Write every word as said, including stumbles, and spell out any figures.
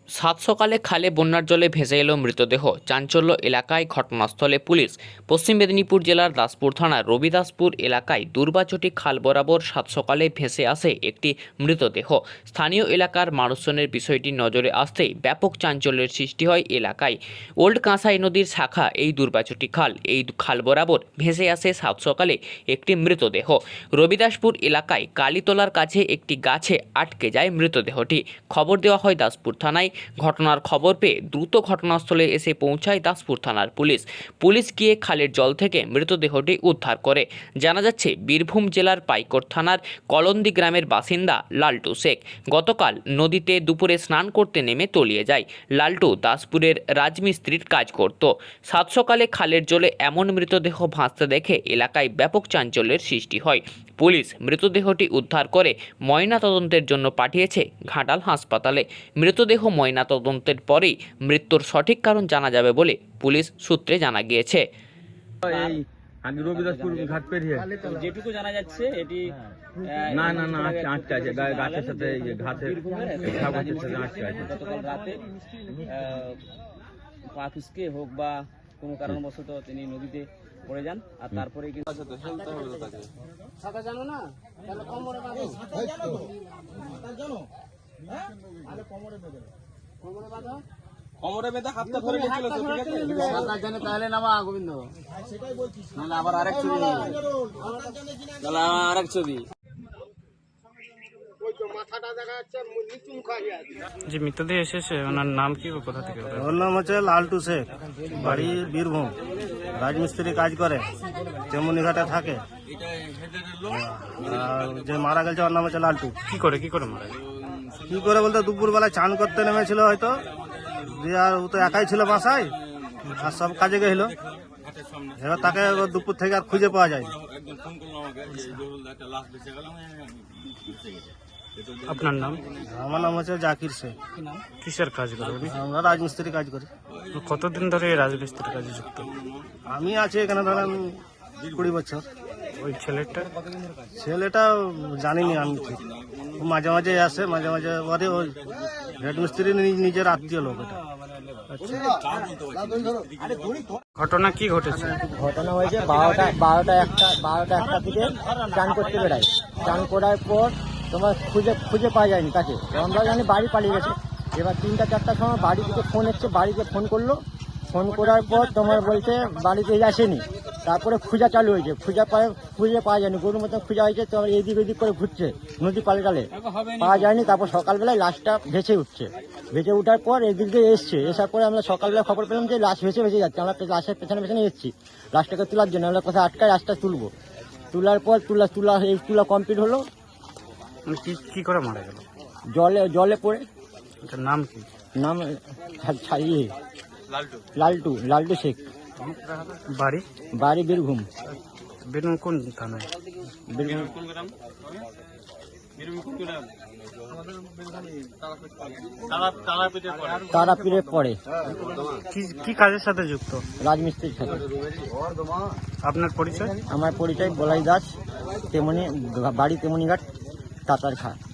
সাত সকালে খালে বন্যার জলে ভেসে এলো মৃতদেহ। চাঞ্চল্য এলাকায়, ঘটনাস্থলে পুলিশ। পশ্চিম মেদিনীপুর জেলার দাসপুর থানার রবিদাসপুর এলাকায় দুর্বাচটি খাল বরাবর সাত সকালে ভেসে আসে একটি মৃতদেহ। স্থানীয় এলাকার মানুষজনের বিষয়টি নজরে আসতেই ব্যাপক চাঞ্চল্যের সৃষ্টি হয় এলাকায়। ওল্ড কাঁসাই নদীর শাখা এই দুর্বাচটি খাল। এই খাল বরাবর ভেসে আসে সাত সকালে একটি মৃতদেহ। রবিদাসপুর এলাকায় কালীতলার কাছে একটি গাছে আটকে যায় মৃতদেহটি। খবর দেওয়া হয় দাসপুর থানায়। ঘটনার খবর পেয়ে দ্রুত ঘটনাস্থলে এসে পৌঁছায় দাসপুর থানার পুলিশ। পুলিশ গিয়ে খালের জল থেকে মৃতদেহটি উদ্ধার করে। জানা যাচ্ছে বীরভূম জেলার পাইকর থানার কলন্দি গ্রামের বাসিন্দা লালটু শেখ গতকাল নদীতে দুপুরে স্নান করতে নেমে তলিয়ে যায়। লালটু দাসপুরের রাজমিস্ত্রির কাজ করত। সাত সকালে খালের জলে এমন মৃতদেহ ভাসতে দেখে এলাকায় ব্যাপক চাঞ্চল্যের সৃষ্টি হয়। পুলিশ মৃতদেহটি উদ্ধার করে ময়নাতদন্তের জন্য পাঠিয়েছে ঘাটাল হাসপাতালে। মৃতদেহ ময়নাতদন্তের পরেই মৃত্যুর সঠিক কারণ জানা যাবে বলে পুলিশ সূত্রে জানা গিয়েছে। এই আমি রবিদাসপুর ঘাট পেরিয়ে যেটুকু জানা যাচ্ছে এটি না না না আটকে আটকে আছে গা- গাছের সাথে এই যে ঘাসের ঘাস গাছের সাথে আটকে আছে। গতকাল রাতে পা খুসকে হোক বা কোনো কারণবশত তিনি নদীতে পড়ে যান আর তারপরে কিন্তু কোমরে বেঁধে হাতটা ধরে নিয়েছিল তো, ঠিক আছে? সাঁতার জানে তাহলে নামা গোবিন্দ, নাহলে আবার আরেক ছবি, নাহলে আরেক ছবি। যে মৃতদেহ এসেছে ওনার নাম কি, ও কোথা থেকে? ওর নাম হচ্ছে লালটু শেখ, বাড়ি বীরভূম, রাজমিস্ত্রি কাজ করে, তেমনিঘাটে থাকে। আর যে মারা গেছে ওর নাম হচ্ছে লালটু। কি করে কি করে মারা গেল? কি করে বলতে দুপুরবেলায় চান করতে নেমেছিল হয়তো, দিয়ে আর ও তো একাই ছিল বাসায় আর সব কাজে গেছিল। এবার তাকে দুপুর থেকে আর খুঁজে পাওয়া যায়নি। আপনার নাম? আমার নাম হচ্ছে জাকির শেখ। কিসের কাজ করে উনি? আমরা রাজমিস্ত্রি কাজ করি। কতদিন ধরে এই রাজমিস্ত্রির কাজে যুক্ত? আমি আছি এখানে ধরেন কুড়ি বছর। ওই ছেলেটা? ছেলেটা জানিনি আমি ঠিক, ও মাঝে মাঝে আসে, মাঝে মাঝে ওরে ওই হেডমিস্ত্রি নিজের আত্মীয় লোক এটা। ঘটনা কি ঘটেছে? ঘটনা হয়েছে বারোটা বারোটা একটা বারোটা একটা থেকে চান করতে বেড়ায়। চান করার পর তোমার খুঁজে খুঁজে পাওয়া যায়নি তাকে। আমরা জানি বাড়ি পালিয়ে গেছে। এবার তিনটা চারটার সময় বাড়ি থেকে ফোন এসছে, বাড়িতে ফোন করলো। ফোন করার পর তোমার বলছে বাড়িতে আসেনি। তারপরে খুঁজা চালু হয়েছে, খুঁজা পায় খুঁজে পাওয়া যায়নি, গরুর মতন খুঁজা হয়েছে। তোমার এদিক ওদিক করে ঘুরছে নদী পালে টালে, পাওয়া যায়নি। তারপর সকালবেলায় লাশটা ভেসে উঠছে। ভেসে উঠার পর এদিক দিয়ে এসছে, এসার পরে আমরা সকালবেলা খবর পেলাম যে লাশ ভেসে ভেসে যাচ্ছে। আমরা লাশের পেছনে পেছনে এসেছি লাশটাকে তোলার জন্য। আমরা কোথায় আটকায় লাশটা তুলবো। তোলার পর তুলা তুলা এই তুলা কমপ্লিট হলো। মানে কি কি করে মারা গেল? জলে জলে পড়ে। এটার নাম কি? নাম ছা- ছা- ইয়ে, লালটু লালটু শেখ, বাড়ি? বাড়ি বীরভূম। বেরুন কোন থানায়? বীরভূম তারাপীঠে পড়ে, কি কি কাজের সাথে যুক্ত? রাজমিস্ত্রির সাথে। আপনার পরিচয়? আমার পরিচয় বলাই দাস, তেমনি বাড়ি তেমনিঘাট, তাতার খা।